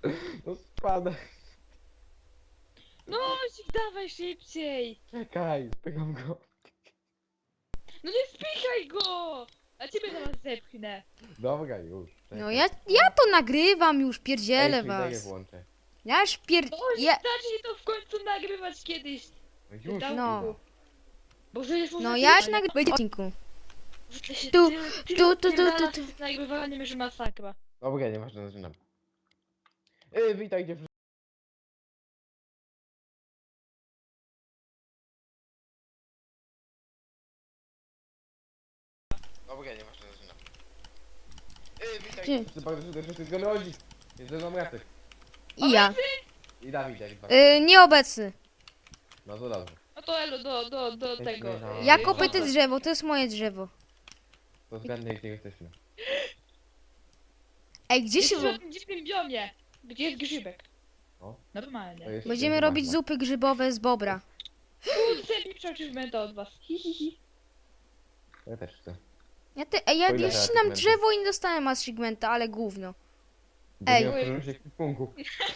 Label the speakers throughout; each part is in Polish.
Speaker 1: No spadaj.
Speaker 2: No, dawaj szybciej.
Speaker 1: Czekaj, spycham go.
Speaker 2: No nie spychaj go! A ciebie zaraz zepchnę.
Speaker 1: Dobra, już. Czekaj.
Speaker 3: No ja to nagrywam już, pierdzielę
Speaker 1: Daję
Speaker 3: was.
Speaker 1: włączę.
Speaker 3: Ja już
Speaker 2: No,
Speaker 3: ja...
Speaker 2: zacznij to w końcu nagrywać kiedyś.
Speaker 1: No już.
Speaker 3: No.
Speaker 2: Boże, jest
Speaker 3: No ja już nagrywam w odcinku. Tu, tu.
Speaker 2: Z nagrywaniem, że masakra.
Speaker 1: Dobra, nieważne, zaczynam. Witaj dziewczyny. Dobra, nieważne, zaczynam. Witaj
Speaker 3: Gdzie?
Speaker 1: dziewczyny, bardzo serdecznie z Gony Odzik. Jest ze mną Jacek.
Speaker 3: I ja.
Speaker 1: I Dawid, jak dwa.
Speaker 3: Nieobecny.
Speaker 1: No to dobrze.
Speaker 2: No to elo, do tego.
Speaker 3: Ja kopię te drzewo, to jest moje drzewo.
Speaker 1: To zgadnij, gdzie jesteśmy.
Speaker 3: Ej, gdzie się...
Speaker 2: Jest w dziwnym biomie. Gdzie jest grzybek?
Speaker 1: O. To
Speaker 2: Normalnie.
Speaker 1: jest
Speaker 3: Będziemy robić zupy grzybowe z bobra.
Speaker 2: Chcę mi achievementa od was. Hi, hi, hi.
Speaker 1: Ja też chcę.
Speaker 3: Ja
Speaker 1: O ile
Speaker 3: ścinam
Speaker 1: achievementy?
Speaker 3: drzewo i nie dostałem achievementa, ale gówno.
Speaker 1: Bo
Speaker 3: Ej.
Speaker 1: nie otworzyłem się ekwipunku.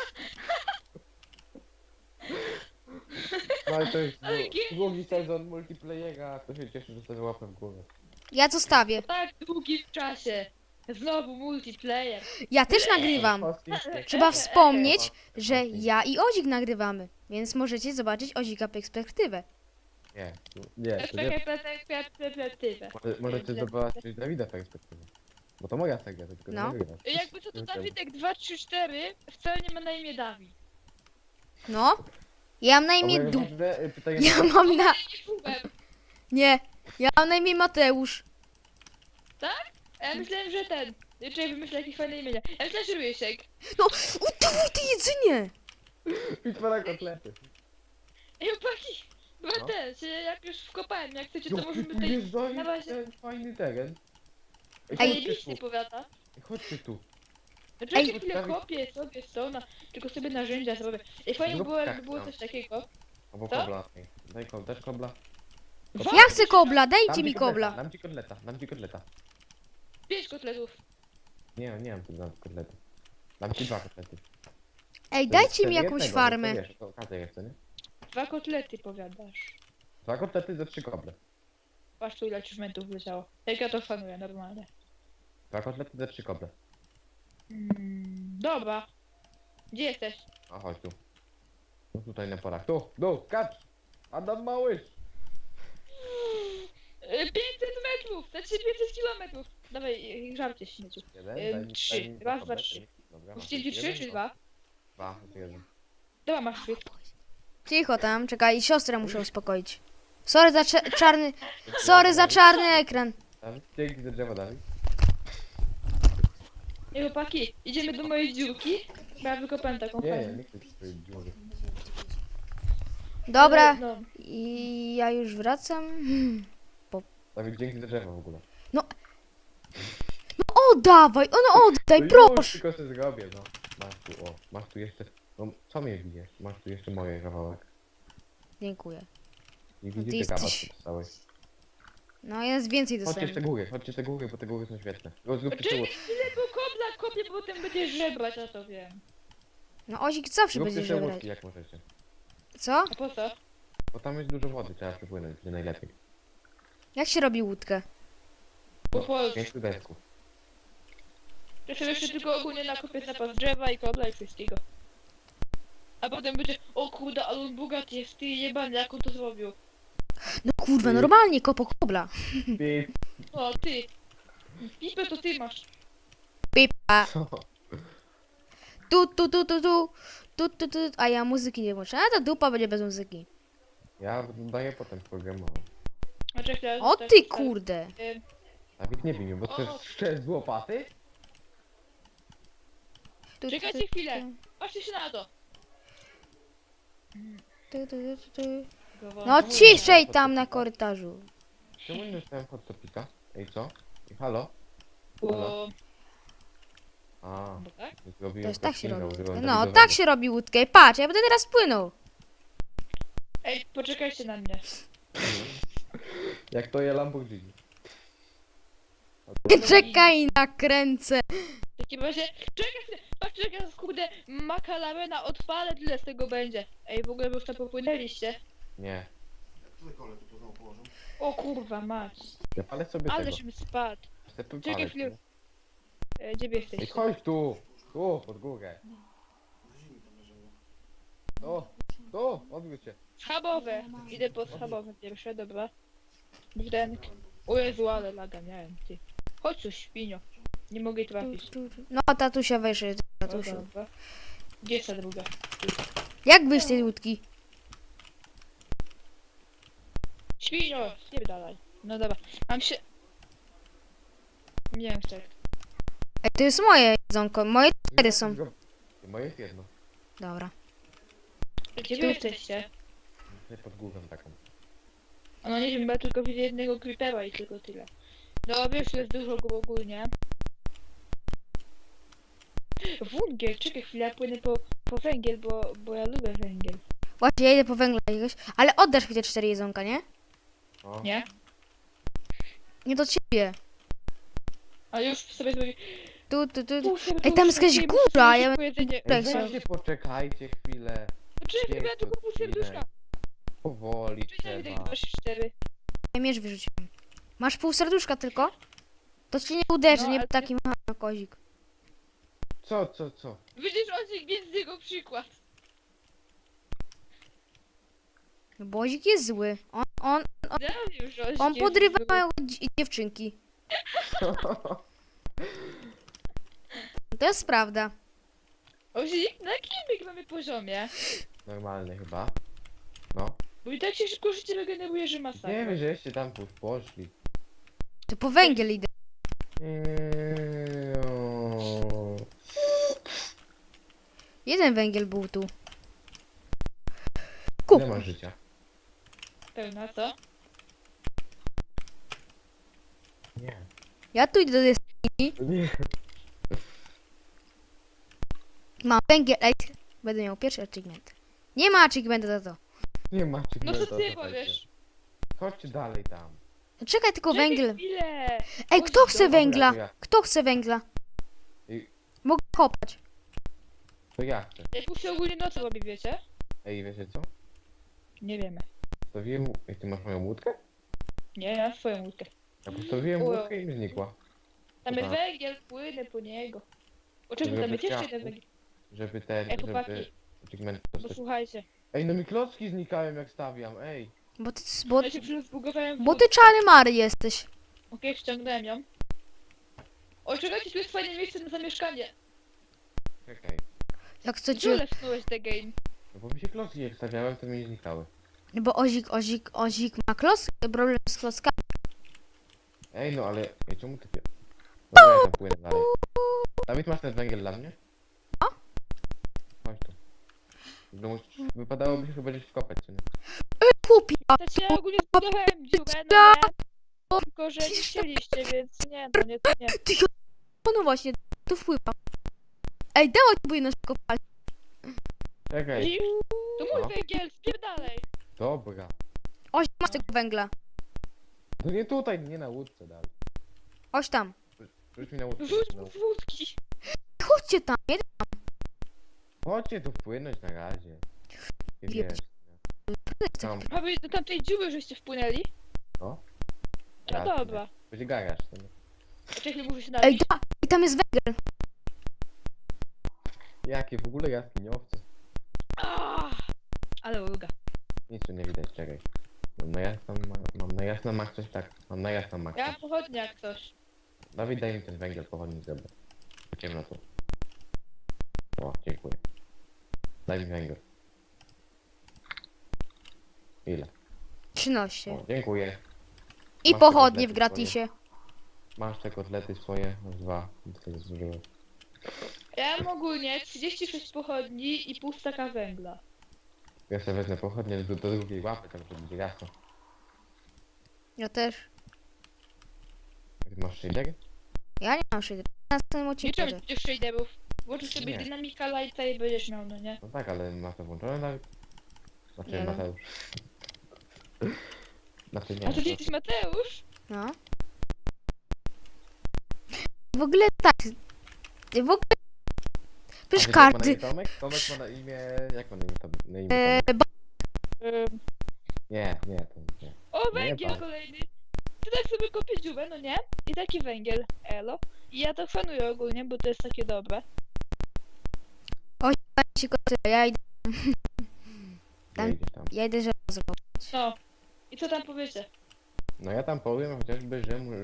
Speaker 1: No ale to jest długi sezon multiplayera, to się cieszę, że sobie łapę w głowę.
Speaker 3: Ja zostawię.
Speaker 2: Po tak długim czasie. Znowu multiplayer.
Speaker 3: Ja też nagrywam. Trzeba wspomnieć, że ja i Odzik nagrywamy. Więc możecie zobaczyć Odzika perspektywę.
Speaker 1: Nie, to nie.
Speaker 2: Perspektywa.
Speaker 1: Możecie zobaczyć Dawida perspektywę. Bo to moja seria, to tylko
Speaker 3: No.
Speaker 1: nie nagrywasz.
Speaker 2: Jakby co to Dawidek 234 wcale nie ma na imię Dawid.
Speaker 3: No. Ja mam na imię
Speaker 1: Dobra,
Speaker 3: Du.
Speaker 1: ważne, pytanie
Speaker 3: Ja
Speaker 1: na...
Speaker 3: mam na...
Speaker 2: Nie czułem.
Speaker 3: Nie. Ja mam na imię Mateusz.
Speaker 2: A ja myślałem, że ten. Czy wymyślę jakieś fajne imienia. Ja myślałem, że Rysiek.
Speaker 3: No, udawaj te jedzenie.
Speaker 1: Bitwa na kotlety.
Speaker 2: Ej, chłopaki. Chyba
Speaker 1: No.
Speaker 2: ten, się jak już wkopałem, jak chcecie, to
Speaker 1: Jaki
Speaker 2: możemy
Speaker 1: tu
Speaker 2: tutaj...
Speaker 1: jest
Speaker 2: na razie-
Speaker 1: ten fajny teren. Ej,
Speaker 3: Ej.
Speaker 1: chodźcie
Speaker 2: Zajebiście
Speaker 1: tu,
Speaker 2: powiada.
Speaker 1: chodźcie tu.
Speaker 2: Znaczy,
Speaker 3: Ej.
Speaker 2: ja chwilę kopię sobie stona, tylko sobie narzędzia zrobię. Ej, fajnie
Speaker 1: Zrób
Speaker 2: było,
Speaker 1: tak,
Speaker 2: jakby było
Speaker 1: no.
Speaker 2: coś takiego.
Speaker 1: Albo
Speaker 2: Co?
Speaker 1: kobla. Ej, daj kobla, dasz kobla?
Speaker 3: Ja chcę kobla,
Speaker 1: Dam
Speaker 3: dajcie
Speaker 1: ci
Speaker 3: mi
Speaker 1: kotleta,
Speaker 3: kobla.
Speaker 1: Dam ci kotleta, dam ci kotleta.
Speaker 2: 5 kotletów.
Speaker 1: Nie mam tu dam kotleta. Dam ci 2 kotlety.
Speaker 3: Ej,
Speaker 1: To
Speaker 3: dajcie mi
Speaker 1: jest
Speaker 3: jakąś
Speaker 1: jednego,
Speaker 3: farmę.
Speaker 1: To wiesz, to okazja jest, co nie?
Speaker 2: 2 kotlety powiadasz.
Speaker 1: 2 kotlety za 3 koble.
Speaker 2: Patrz tu ile achievementów wleciało. Jak ja to fanuję normalnie.
Speaker 1: 2 kotlety za 3 koble.
Speaker 2: Dobra. Gdzie jesteś?
Speaker 1: A chodź tu. No tutaj na porach. Tu, kacz! Adam Małysz!
Speaker 2: 500 metrów! Znaczy 500 kilometrów! Dawaj, żarcie śmieciu.
Speaker 1: Jeden,
Speaker 2: 3.
Speaker 1: dwa
Speaker 2: Raz, dwa,
Speaker 1: koble,
Speaker 2: trzy.
Speaker 1: Dobra,
Speaker 2: Musicie ci 3 czy 2?
Speaker 1: 2, to 1.
Speaker 2: Dobra, masz 3.
Speaker 3: Cicho tam, czekaj, siostrę muszę uspokoić. Sorry za czarny... Sorry za czarny ekran.
Speaker 1: Dawid, dzięki za drzewo, Dawid.
Speaker 2: Ej, chłopaki, idziemy do mojej dziurki. Bo ja wykopałem taką
Speaker 1: Nie,
Speaker 2: fajną.
Speaker 1: nie chcę ci swojej dziury.
Speaker 3: Dobra,
Speaker 2: No,
Speaker 3: i ja już wracam.
Speaker 1: Dawid, dzięki za drzewo w ogóle.
Speaker 3: Oddawaj, oddaj,
Speaker 1: No już,
Speaker 3: proszę.
Speaker 1: tylko sobie zrobię, no. Masz tu jeszcze... No, co mnie bijesz? Masz tu jeszcze moje kawałek.
Speaker 3: Dziękuję.
Speaker 1: Nie
Speaker 3: ty
Speaker 1: widzicie kawał,
Speaker 3: jesteś-
Speaker 1: co dostałeś.
Speaker 3: No jest więcej
Speaker 1: Chodźcie te
Speaker 3: dostępnych.
Speaker 1: góry, bo te góry są świetne. Zróbcie
Speaker 2: Czekaj
Speaker 1: sobie
Speaker 2: chwilę, bo kobla kopię, bo potem będziesz żebrać, ja to wiem.
Speaker 3: No Ozik zawsze będzie
Speaker 1: łódki
Speaker 3: żebrać.
Speaker 1: jak możecie.
Speaker 3: Co?
Speaker 2: A po co?
Speaker 1: Bo tam jest dużo wody, trzeba przepłynąć, będzie najlepiej.
Speaker 3: Jak się robi łódkę?
Speaker 2: Po polsku.
Speaker 1: 5 desków.
Speaker 2: Jeszcze jeszcze tylko ogólnie nakopię zapas drzewa i kobla i wszystkiego. A potem będzie, o kurde, ale on bogaty jest, ty jebany, jak on to zrobił.
Speaker 3: No kurwa, normalnie kopo kobla.
Speaker 2: O, ty. Pipę to ty masz.
Speaker 3: Pipa.
Speaker 1: Co?
Speaker 3: Tu. A ja muzyki nie włączę. A to dupa będzie bez muzyki.
Speaker 1: Ja daję potem programowo.
Speaker 2: A czekaj,
Speaker 3: O
Speaker 2: tak,
Speaker 3: ty
Speaker 2: tak,
Speaker 3: kurde.
Speaker 1: Dawid, nie bij mnie, bo to jest szczerz z łopaty?
Speaker 2: Czekajcie chwilę. Patrzcie się na to.
Speaker 3: Tu. No ciszej tam na korytarzu.
Speaker 1: Czemu nie dostałem hot topika? Ej, co? Ej, halo?
Speaker 2: Bo...
Speaker 1: A,
Speaker 2: Bo tak?
Speaker 1: zrobiłem
Speaker 3: To jest tak się
Speaker 1: craftinga,
Speaker 3: robi.
Speaker 1: użyłem
Speaker 3: No
Speaker 1: Dawidowego.
Speaker 3: tak się robi łódkę. Patrz, ja będę teraz płynął.
Speaker 2: Ej, poczekajcie na mnie.
Speaker 1: Jak to je Lamborghini.
Speaker 3: Czekaj, nakręcę.
Speaker 2: W takim razie, czekaj, patrzcie jak ja kurde makalamena odpalę, tyle z tego będzie. Ej, w ogóle wy już tam popłynęliście.
Speaker 1: Nie.
Speaker 4: Tutaj kole tu znowu położę.
Speaker 2: O kurwa mać.
Speaker 1: Ja palę sobie
Speaker 2: Ale
Speaker 1: tego.
Speaker 2: żebym spadł.
Speaker 1: Chcę tu
Speaker 2: Czekaj
Speaker 1: palec,
Speaker 2: chwilę.
Speaker 1: nie?
Speaker 2: Gdzie wy
Speaker 1: Ej,
Speaker 2: jesteście?
Speaker 1: chodź tu! Tu, pod górę.
Speaker 4: Na ziemi tam leżało.
Speaker 1: Odbił cię.
Speaker 2: Schabowe. Idę po schabowe pierwsze, dobra. Brdenk. O Jezu, ale laga miałem, ty. Chodź tu, świnio. Nie mogę trafić.
Speaker 3: No, tatusia wyszedł,
Speaker 2: O,
Speaker 3: tatusiu.
Speaker 2: dobra. Gdzie jest ta druga?
Speaker 3: Jak byś z tej łódki?
Speaker 2: Świnio! Spierdalaj. No dobra. Mam się... Nie wiem, tak.
Speaker 3: Ej, to jest moje jedzonko, moje 4 są.
Speaker 1: Moje jest jedno.
Speaker 3: Dobra.
Speaker 2: Gdzie wy jesteście?
Speaker 1: Tutaj pod górą taką.
Speaker 2: No nie wiem, bo ja tylko widzę jednego creepera i tylko tyle. No wiesz, jest dużo go ogólnie. Węgiel, czekaj chwilę, ja płynę po węgiel, bo ja lubię węgiel.
Speaker 3: Właśnie, ja idę po węgla jakiegoś. Ale oddasz mi te 4 jedzonka, nie?
Speaker 1: O.
Speaker 2: Nie?
Speaker 3: Nie do ciebie.
Speaker 2: A już sobie zrobię...
Speaker 3: Tu.
Speaker 2: Pół
Speaker 3: Ej, tam jest jakaś
Speaker 2: serduszka,
Speaker 3: góra, ja
Speaker 2: szybko jedzenie.
Speaker 3: Tak,
Speaker 1: Ej,
Speaker 3: są.
Speaker 1: weźcie, poczekajcie chwilę.
Speaker 2: Poczekaj, ja tylko pół serduszka.
Speaker 1: Powoli
Speaker 2: Czekaj,
Speaker 1: trzeba.
Speaker 2: 2, 4.
Speaker 3: miecz wyrzuciłem. Masz pół serduszka tylko? To ci nie uderzy,
Speaker 2: No,
Speaker 3: nie
Speaker 2: ale-
Speaker 3: taki mały kozik.
Speaker 1: Co?
Speaker 2: Widzisz, on jest z jego przykład.
Speaker 3: No Bozik jest zły. On
Speaker 2: Ja wiem, że
Speaker 3: on
Speaker 2: jest
Speaker 3: podrywa
Speaker 2: zły.
Speaker 3: małe dziewczynki. To jest prawda.
Speaker 2: Ozik, na jakim mamy poziomie?
Speaker 1: Normalny chyba. No.
Speaker 2: Bo i tak się szybko życie regeneruje, że masakra.
Speaker 1: Nie wiem, żeście tam poszli.
Speaker 3: To po węgiel idę.
Speaker 1: O.
Speaker 3: Jeden węgiel był tu.
Speaker 1: Ile
Speaker 3: Kup.
Speaker 1: masz życia?
Speaker 2: Pełna, co?
Speaker 1: Nie.
Speaker 3: Ja tu idę do
Speaker 1: Nie.
Speaker 3: Mam węgiel. Ej, będę miał pierwszy achievement. Nie ma achievementa za to.
Speaker 1: Nie macie
Speaker 2: No co ty powiesz?
Speaker 1: Chodźcie dalej tam.
Speaker 3: Czekaj tylko
Speaker 2: Czekaj
Speaker 3: węgiel.
Speaker 2: chwilę.
Speaker 3: Ej, kto
Speaker 2: Chodź
Speaker 3: chce
Speaker 2: do-
Speaker 3: węgla?
Speaker 1: Dobra, to ja.
Speaker 3: Kto chce węgla?
Speaker 1: Ej,
Speaker 3: Mogę kopać.
Speaker 1: to ja chcę.
Speaker 2: Jak już się ogólnie nocą robi, wiecie?
Speaker 1: Ej, wiecie co?
Speaker 2: Nie wiemy.
Speaker 1: Postawiłem... Ej, ty masz moją łódkę?
Speaker 2: Nie, ja mam swoją łódkę.
Speaker 1: Ja postawiłem
Speaker 2: Ło.
Speaker 1: łódkę i mi znikła.
Speaker 2: Tam jest
Speaker 1: Dobra.
Speaker 2: węgiel, płynę po niego. Oczywiście
Speaker 1: Żeby
Speaker 2: tam jest jeszcze
Speaker 1: chciała-
Speaker 2: jeden węgiel.
Speaker 1: Żeby ten...
Speaker 2: Ej, chłopaki.
Speaker 1: Żeby... Achievement
Speaker 2: Bo
Speaker 1: dostać.
Speaker 2: słuchajcie,
Speaker 1: Ej, no mi klocki znikają jak stawiam, ej.
Speaker 3: Bo
Speaker 2: ja się przecież zbugowałem w
Speaker 3: ty czary mary jesteś.
Speaker 2: Okej, ściągnąłem ją. O, czekajcie, tu jest fajne miejsce na zamieszkanie.
Speaker 1: Czekaj.
Speaker 3: Jak
Speaker 2: Gdzie
Speaker 3: chcecie.
Speaker 2: lefnąłeś the game?
Speaker 1: No bo mi się klocki jak stawiałem, to mi znikały.
Speaker 3: Bo Ozik ma problem z klockami.
Speaker 1: Ej, no ale... Ej, czemu ty... Dobra, ja tam płynę dalej. Dawid, masz ten węgiel dla mnie?
Speaker 3: O.
Speaker 1: Chodź tu. No, wypadałoby się chyba gdzieś wkopać, czy nie?
Speaker 3: Kupi.
Speaker 2: Znaczy, ja ogólnie zbudowałem dziurę, no nie? Tylko, że nie chcieliście, więc nie, no nie, to nie.
Speaker 3: No właśnie, tu wpływa. Ej, dawaj tu powinno szybko palić.
Speaker 1: Czekaj.
Speaker 2: Widzisz? To mój
Speaker 1: No.
Speaker 2: węgiel, spierdalej.
Speaker 1: Dobra.
Speaker 3: Oś, masz tego węgla.
Speaker 1: No nie tutaj, nie na łódce dalej.
Speaker 3: Oś tam.
Speaker 1: Rzuć mi na łódkę.
Speaker 2: Rzuć
Speaker 1: No.
Speaker 2: mu wódki.
Speaker 3: Chodźcie tam. Nie?
Speaker 1: Chodźcie tu wpłynąć na razie. Nie
Speaker 3: Wiem.
Speaker 1: wiesz. Tam,
Speaker 2: Aby do tamtej dziury żeście wpłynęli?
Speaker 1: no.
Speaker 2: No
Speaker 1: Jasne.
Speaker 2: dobra.
Speaker 1: Będzie garaż. to nie.
Speaker 2: A czekaj, muszę się
Speaker 3: Ej,
Speaker 2: napić.
Speaker 3: da. I tam jest węgiel.
Speaker 1: Jakie w ogóle jaskiniowce?
Speaker 2: Ale ulga.
Speaker 1: Nic tu nie widać, czekaj. Mam na jasno mak coś tak. Mam na jasno mak.
Speaker 2: Ja mam pochodnie jak coś.
Speaker 1: Dawid, daj mi ten węgiel, pochodni zebrać. Ciemno tu. O, dziękuję. Daj mi węgiel. Ile?
Speaker 3: 13.
Speaker 1: O, dziękuję.
Speaker 3: I
Speaker 1: Masz te
Speaker 3: pochodnie w
Speaker 1: kotlety
Speaker 3: gratisie.
Speaker 1: Masz te kotlety swoje? Masz dwa. Tyle zużyłem.
Speaker 2: Ja mam ogólnie 36 pochodni i pół staka węgla.
Speaker 1: Ja sobie wezmę pochodnie do drugiej łapy, tak żeby będzie jasno.
Speaker 3: Ja też.
Speaker 1: Ty masz shadery?
Speaker 3: Ja nie mam shadera. Na następnym
Speaker 2: Nie
Speaker 3: odcinku.
Speaker 2: trzeba przecież shaderów. Włączysz sobie
Speaker 1: Nie.
Speaker 2: dynamika lighta i będziesz miał, no nie?
Speaker 1: No tak, ale masz to włączone nawet? Znaczy
Speaker 3: Nie.
Speaker 1: Mateusz. Znaczy nie.
Speaker 2: A to ty
Speaker 1: to-
Speaker 2: jesteś Mateusz?
Speaker 3: No. w ogóle tak. W ogóle.
Speaker 1: A
Speaker 3: Przecież
Speaker 1: wiecie, jak ma na
Speaker 3: każdy.
Speaker 1: imię Tomek? Tomek ma na imię... Jak ma na imię, na imię
Speaker 3: E,
Speaker 1: Tomek?
Speaker 2: Ym,
Speaker 1: Nie, to nie.
Speaker 2: O, węgiel
Speaker 1: pan.
Speaker 2: kolejny. Ty tak sobie kopię dziurę, no nie? I taki węgiel, elo. I ja to szanuję ogólnie, bo to jest takie dobre.
Speaker 3: Ja idę,
Speaker 1: Nie idziesz tam.
Speaker 3: ja idę żelazo.
Speaker 2: No. I co tam powiecie?
Speaker 1: No ja tam powiem chociażby,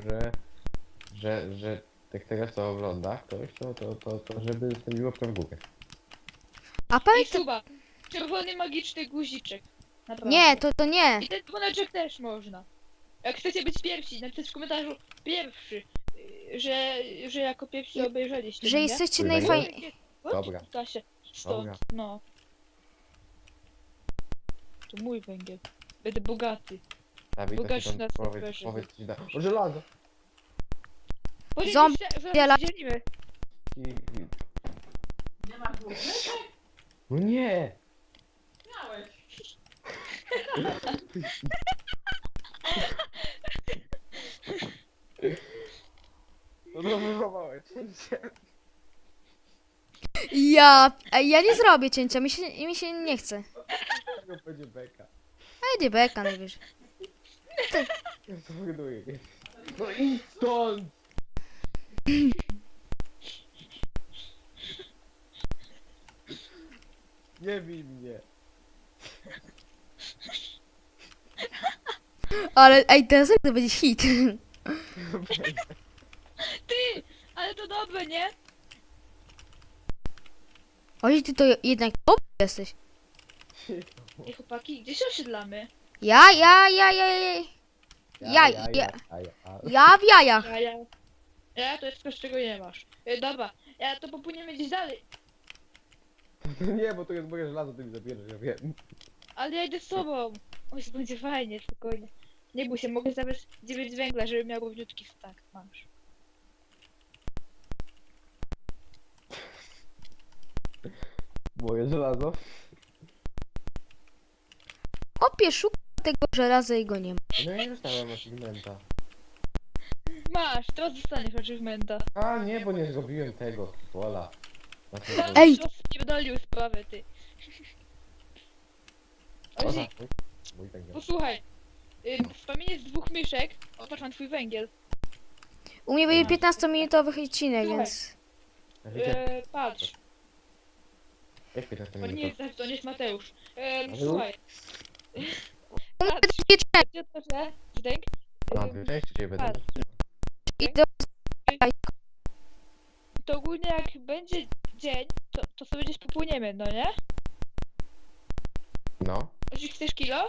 Speaker 1: że tak teraz co ogląda ktoś, to żeby zostawiło łapkę w górę.
Speaker 3: A
Speaker 2: I
Speaker 3: pamiętaj.
Speaker 2: suba. Czerwony magiczny guziczek. Naprawdę.
Speaker 3: Nie, to nie.
Speaker 2: I ten dzwoneczek też można. Jak chcecie być pierwsi, napisać w komentarzu pierwszy, że jako pierwsi obejrzeliście.
Speaker 3: Że
Speaker 2: nie?
Speaker 3: jesteście
Speaker 1: Kurwa,
Speaker 3: najfajniejsi.
Speaker 1: Dobra.
Speaker 2: Tasie, stąd,
Speaker 1: Dobra.
Speaker 2: no. To mój węgiel. Będę bogaty.
Speaker 1: Dawid, to
Speaker 2: Bogaci
Speaker 1: się
Speaker 2: na
Speaker 1: tam
Speaker 2: serwerze.
Speaker 1: powiedz ci da. O, żelazo!
Speaker 3: Zombie dziela-
Speaker 2: dzielimy.
Speaker 1: No nie! No to wychowałeś.
Speaker 3: Ja nie zrobię cięcia, mi się nie chce.
Speaker 1: Tego będzie beka.
Speaker 3: A idzie beka najwyżej.
Speaker 1: Ja to wyduję. No idź stąd! Nie bij mnie.
Speaker 3: Ale ej, teraz jak to będzie hit.
Speaker 2: Ty! Ale to dobre, nie?
Speaker 3: Oj, ty to jednak dobry jesteś.
Speaker 2: Ej chłopaki, gdzie się osiedlamy?
Speaker 3: Ja w jajach.
Speaker 2: Ja to jest coś, czego nie masz. Dobra, ja to popłyniemy gdzieś dalej.
Speaker 1: Nie, bo to jest moje żelazo, ty mi zabierzesz, ja wiem.
Speaker 2: Ale ja idę z tobą. Oj, to będzie fajnie, spokojnie. Nie bój się, mogę zabrać 9 węgla, żeby miał równiutki stack. Masz.
Speaker 1: Moje żelazo?
Speaker 3: Kopie, szuka tego żelaza i go nie ma.
Speaker 1: No ja nie dostałem achievementa.
Speaker 2: Masz, teraz dostaniesz achievementa.
Speaker 1: A nie, bo nie zrobiłem tego. Wola.
Speaker 3: Ej!
Speaker 2: Rozpierdolił sprawę, ty. Ozi,
Speaker 1: Mój węgiel.
Speaker 2: posłuchaj. Wspomnienie z 2 myszek. Opatrz na twój węgiel.
Speaker 3: U mnie będzie 15-minutowy odcinek, więc...
Speaker 2: Patrz.
Speaker 1: Jak 15
Speaker 2: To nie
Speaker 1: minut?
Speaker 2: jest, to nie jest Mateusz.
Speaker 1: Ale
Speaker 2: Słuchaj.
Speaker 3: U mnie
Speaker 2: Patrz,
Speaker 3: będzie część
Speaker 2: gdzie to że? Zdęk?
Speaker 1: A, ty części cię będę.
Speaker 2: patrz.
Speaker 3: i do...
Speaker 2: To ogólnie jak będzie dzień, to sobie gdzieś popłyniemy, no nie?
Speaker 1: No.
Speaker 2: Ozi, chcesz kilo?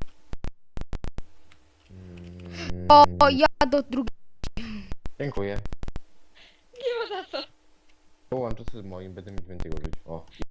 Speaker 3: O, ja do drugiej...
Speaker 1: Dziękuję.
Speaker 2: Nie ma za co.
Speaker 1: Połączę się z moim, będę mieć więcej użyć. O.